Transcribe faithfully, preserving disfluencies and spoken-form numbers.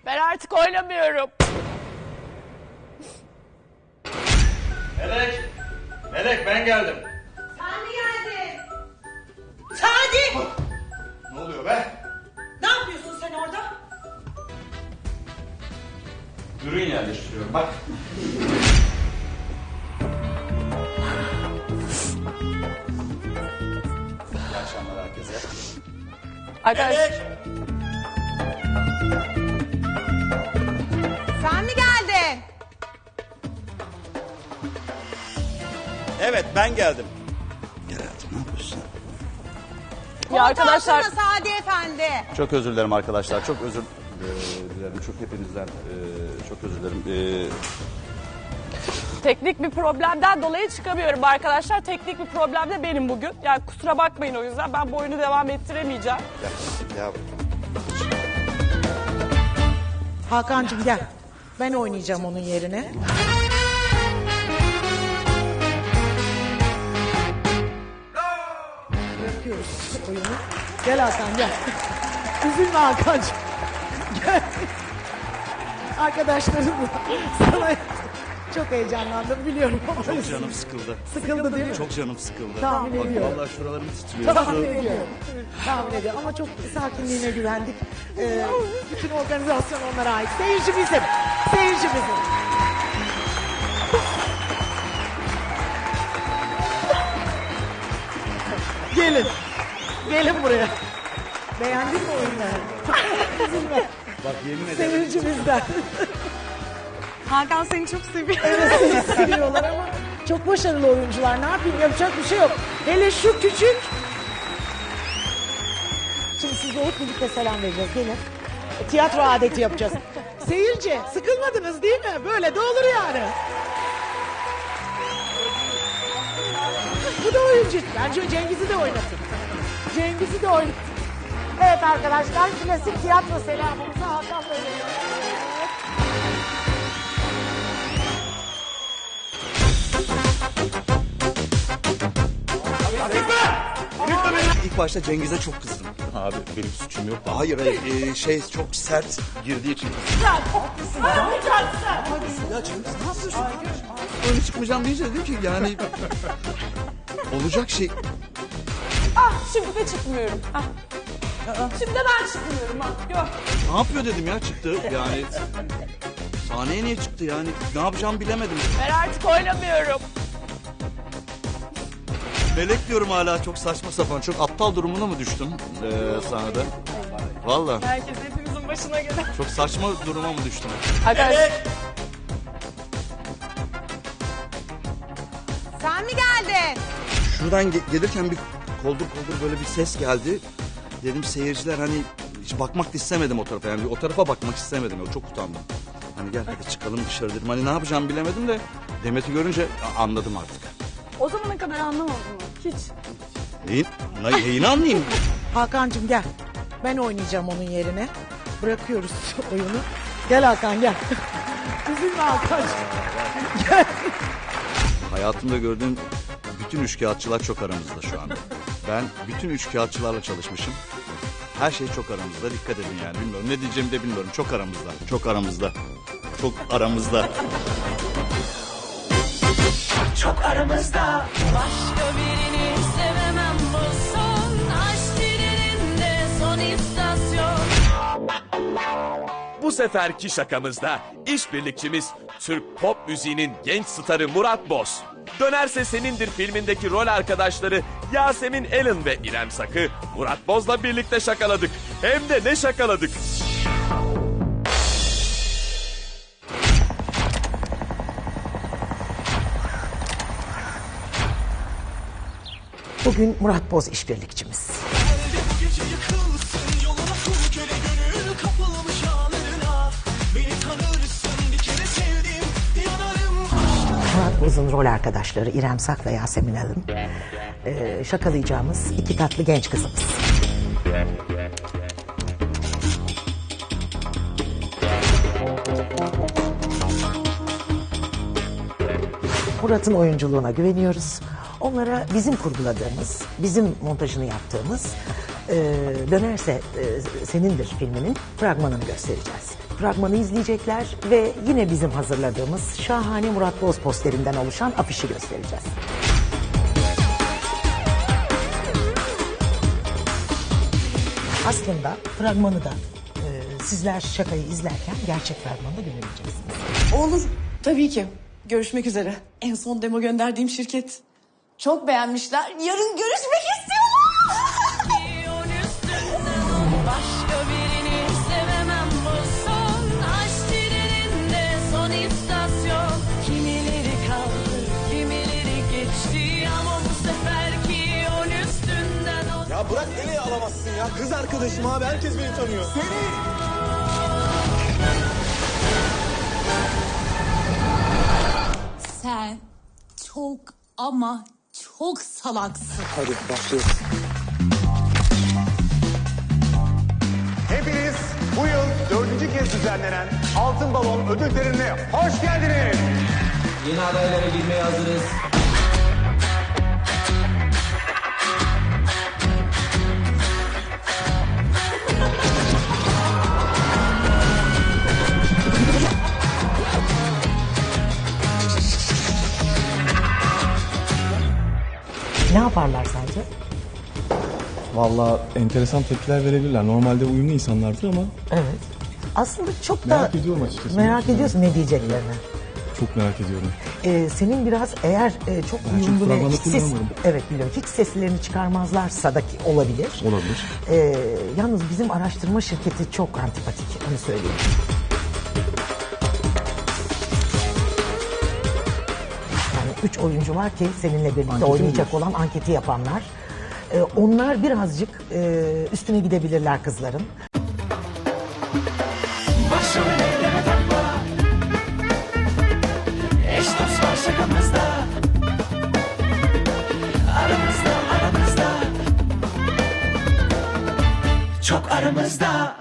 Ben artık oynamıyorum. Melek! Melek ben geldim. Sadi geldi. Sadi! Ne oluyor be? Ne yapıyorsun sen orada? Ürün yerleştiriyorum bak. İyi akşamlar herkese. Arkadaşlar, Melek! Sen mi geldin? Evet ben geldim. Gel hayatım ne yapıyorsun? ya arkadaşlar Koltuğa oturma Sadi Efendi. Çok özür dilerim arkadaşlar. Çok özür e, dilerim. Çok hepinizden e, çok özür dilerim. E, teknik bir problemden dolayı çıkamıyorum arkadaşlar. Teknik bir problem de benim bugün. Yani kusura bakmayın o yüzden. Ben bu oyunu devam ettiremeyeceğim. ya, ya Hakan'cığım gel. Ben oynayacağım onun yerine. Bırakıyoruz oyunu. Gel Hakan gel. Üzülme Hakan'cığım. Gel. Arkadaşlarım sana çok heyecanlandım biliyorum. çok canım sıkıldı. Sıkıldı değil mi? Çok canım sıkıldı. Tahmin Bak, ediyorum. vallahi şuralarım titriyor. Tahmin ediyorum. Tahmin ediyorum ama çok sakinliğine güvendik. Ee, bütün organizasyon onlara ait. Seyirci bizim. Seyirci bizim. Gelin. Gelin buraya. Beğendin mi oyunu? Üzülme. Bak yemin ederim. Seyirci bizden. Hakan seni çok seviyor. Evet seni seviyorlar ama çok başarılı oyuncular. Ne yapayım yapacak bir şey yok. Hele şu küçük. Şimdi sizle hep birlikte selam vereceğiz. Gelin. Tiyatro adeti yapacağız. Seyirci sıkılmadınız değil mi? Böyle de olur yani. Bu da oyuncu. Bence Cengiz'i de oynatın. Cengiz'i de oynatın. Evet arkadaşlar klasik tiyatro selamımızı Hakan'la veriyoruz. İlk başta Cengiz'e çok kızdım. Abi benim suçum yok. Hayır hayır e, şey çok sert girdiği için. Ya Cengiz ne yapıyorsun? Öyle çıkmayacağım deyince dedim ki yani olacak şey. Ah şimdi de çıkmıyorum. Ah. Şimdi de ben çıkmıyorum. Ah. Yok. Ne yapıyor dedim ya çıktı yani. Sahneye niye çıktı yani ne yapacağımı bilemedim. Ben artık oynamıyorum. Melek diyorum hala çok saçma sapan çok aptal durumuna mı düştüm e, sahnede? Valla Herkes hepimizin başına gelen. çok saçma duruma mı düştüm? Arkadaşlar Sen mi geldin? Şuradan ge- gelirken bir koldur koldur böyle bir ses geldi. Dedim seyirciler hani hiç bakmak da istemedim o tarafa. Yani o tarafa bakmak istemedim. Çok utandım. Hani gel hadi çıkalım dışarı dedim. Hani ne yapacağımı bilemedim de Demet'i görünce a- anladım artık. o zamana kadar anlamadım. Hiç. Neyin, ne- neyini anlayayım? Hakan'cığım gel. Ben oynayacağım onun yerine. Bırakıyoruz oyunu. Gel Hakan gel. Üzülme Hakan'cığım. Gel. Hayatımda gördüğüm bütün üçkağıtçılar çok aramızda şu anda. Ben bütün üçkağıtçılarla çalışmışım. Her şey çok aramızda. Dikkat edin yani. Bilmiyorum ne diyeceğimi de bilmiyorum. Çok aramızda. Çok aramızda. Çok aramızda. Çok aramızda. Başka birini sevemem bu son aşk treninde son istasyon. Bu seferki şakamızda işbirlikçimiz Türk pop müziğinin genç starı Murat Boz. Dönerse Senindir filmindeki rol arkadaşları Yasemin Allen ve İrem Sak'ı Murat Boz'la birlikte şakaladık. Hem de ne şakaladık. Bugün Murat Boz işbirlikçimiz. Murat Boz'un rol arkadaşları İrem Sak ve Yasemin Alın. Ee, şakalayacağımız iki tatlı genç kızımız. Murat'ın oyunculuğuna güveniyoruz. Onlara bizim kurguladığımız, bizim montajını yaptığımız e, Dönerse e, Senindir filminin fragmanını göstereceğiz. fragmanı izleyecekler ve yine bizim hazırladığımız şahane Murat Boz posterinden oluşan afişi göstereceğiz. Aslında fragmanı da e, sizler şakayı izlerken gerçek fragmanı da görebileceksiniz. Olur. Tabii ki. Görüşmek üzere. En son demo gönderdiğim şirket. Çok beğenmişler. Yarın görüşmek istiyorlar. Başka birini sevemem bu son aşk treninde son istasyon. Kimileri kaldı, kimileri geçti ama bu seferki yol üstünden o. Ya bırak nereye alamazsın ya? Kız arkadaşım abi, herkes beni tanıyor. Seni! Sen çok ama çok salaksın. Hadi başlıyoruz. Hepiniz bu yıl dördüncü kez düzenlenen Altın Balon ödül törenine hoş geldiniz. Yeni adaylara girmeye hazırız. Ne yaparlar sence? Vallahi enteresan tepkiler verebilirler. Normalde uyumlu insanlardır ama Evet. Aslında çok da merak ediyorum açıkçası. merak ediyorsun ne diyeceklerini. Çok merak ediyorum. Ee, senin biraz eğer e, çok Ben uyumlu çok ve fragmanı hiç ses, kullanmadım. evet biliyorum, hiç seslerini çıkarmazlarsa da ki olabilir. Olabilir. Ee, yalnız bizim araştırma şirketi çok antipatik, onu söyleyeyim. Yani üç oyuncu var ki seninle birlikte Anketi oynayacak diyorsun. olan anketi yapanlar. Ee, onlar birazcık e, üstüne gidebilirler kızların. Başrollere takma. Eş dost var şakamızda. Aramızda aramızda. Çok aramızda.